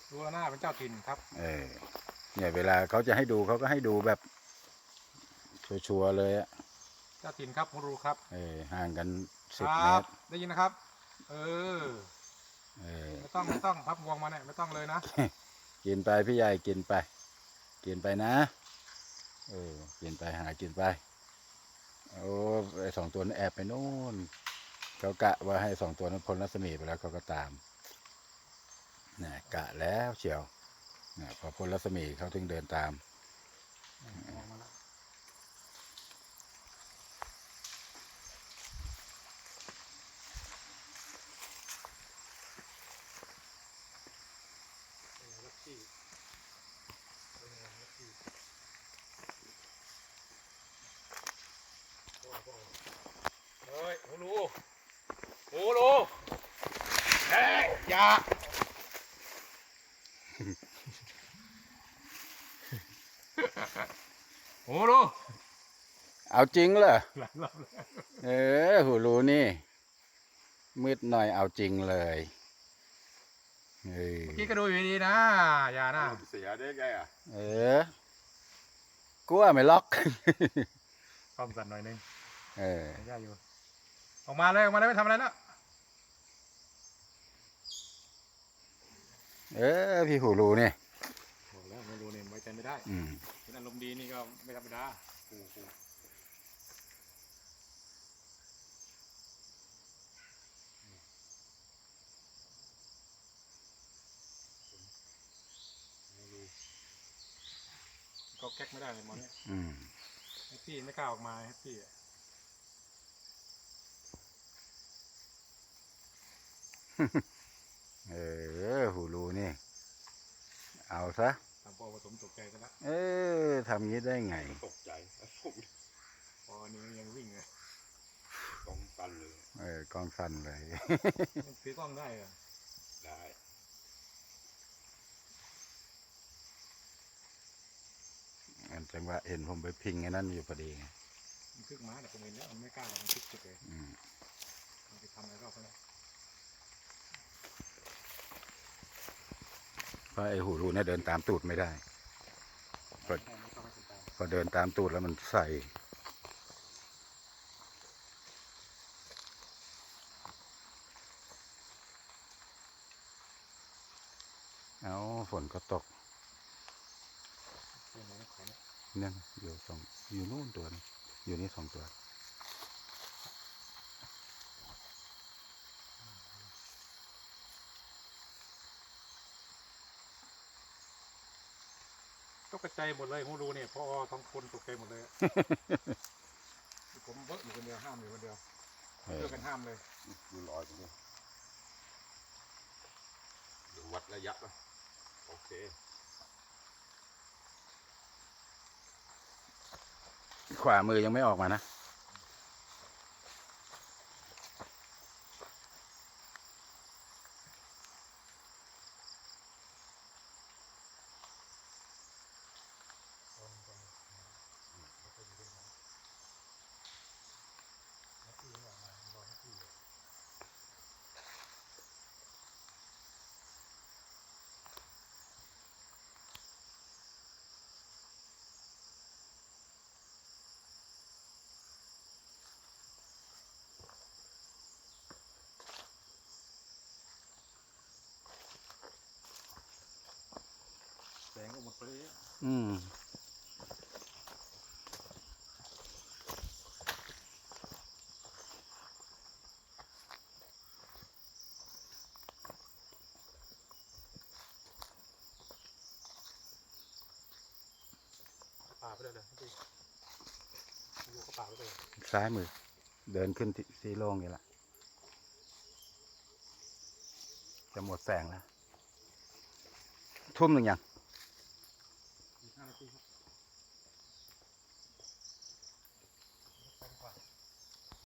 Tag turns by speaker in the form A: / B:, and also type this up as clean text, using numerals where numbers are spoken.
A: ดูหน้าเป็นเจ้าถิ่นครับ
B: เนี่ยเวลาเขาจะให้ดูเขาก็ให้ดูแบบชัวร์เลยอะ
A: เจ้าถิ่นครับคุณรู้ครับ
B: ห่างกัน
A: 10 เมตรได้ยินนะครับไม่ต้องพับงวงมาเนี่ยไม่ต้องเลยนะ
B: กินไปพี่ใหญ่กินไปนะกินไปหากินไปโอ้ไอ้2 ตัวนั้นแอบไปโน่นเขากะว่าให้2 ตัวนั้นพ้นรัศมีไปแล้วเขาก็ตามเนี่ยกะแล้วเชียวเนี่ยพอพ้นรัศมีเขาถึงเดินตาม
A: เฮ้ยหูรูเฮ้ยอย่าหูรู
B: เอาจริงเหรอ
A: หลายรอบแล้ว
B: หูรู้นี่มืดหน่อยเอาจริงเลย
A: เมื่อกี้ก็ดูอยู่ดีนะอย่านะ
C: เสียได้ไงอ่ะ
B: กลัวไม่ล็อก
A: ความสั่นหน่อยนึงย่าอยู่ออกมาเลยไม่ทำอะไรแล้ว
B: พี่หูรู้นี่
A: บอกแล้วไม่รู้เนี่ยไว้ใจไม่ได้เป็นอารมณ์ดีนี่ก็ไม่ธรรมดาก็แก๊กไม่ได้เลยมอนเนี่ยแฮปปี้ไม่กล้าออกมาแฮปปี้
B: หูรู้นี่เอาซะ
A: ทำพอผสมตกใจกันละ
B: ทำงี้ได้ไง
C: ตกใจ
A: พอนี้ยังวิ่งเลย
C: กองสั่นเลย
B: กองสั่นเลย
A: ถือกล้องได้เหรอ
C: ได้
B: จังหวะเห็นผมไปพิงไอ้นั่นอยู่พอดี
A: มันคึกม้าแต่ผมเห็นแล้วมันไม่กล้าหรอกมันคึกจุดเลยมันไปทำอะไรรอบแล้ว
B: เพราะไอ้หูรูเนี่ยเดินตามตูดไม่ได้พอเดินตามตูดแล้วมันใส่เอาฝนก็ตกเนี่ยอยู่นู่นตัวนึงอยู่นี่2 ตัว
A: ตกใจหมดเลยหูรูเนี่ยพ่อท้องคนตกใจหมดเลยผมเบิกอยู่คนเดียวห้ามอยู่คนเดียวเพื่อกันห้ามเลย
C: ดูลอยตรงนี้ดูวัดระยะนะโอเค
B: ขวามือยังไม่ออกมานะ
A: แสงก็หมดไปเลยป่าไปเลยเลยพี่ดูเขาป่าไปเลย
B: ซ้ายมือเดินขึ้นสีโล่งนี่แหละจะหมดแสงแล้วทุ่มหนึ่งยัง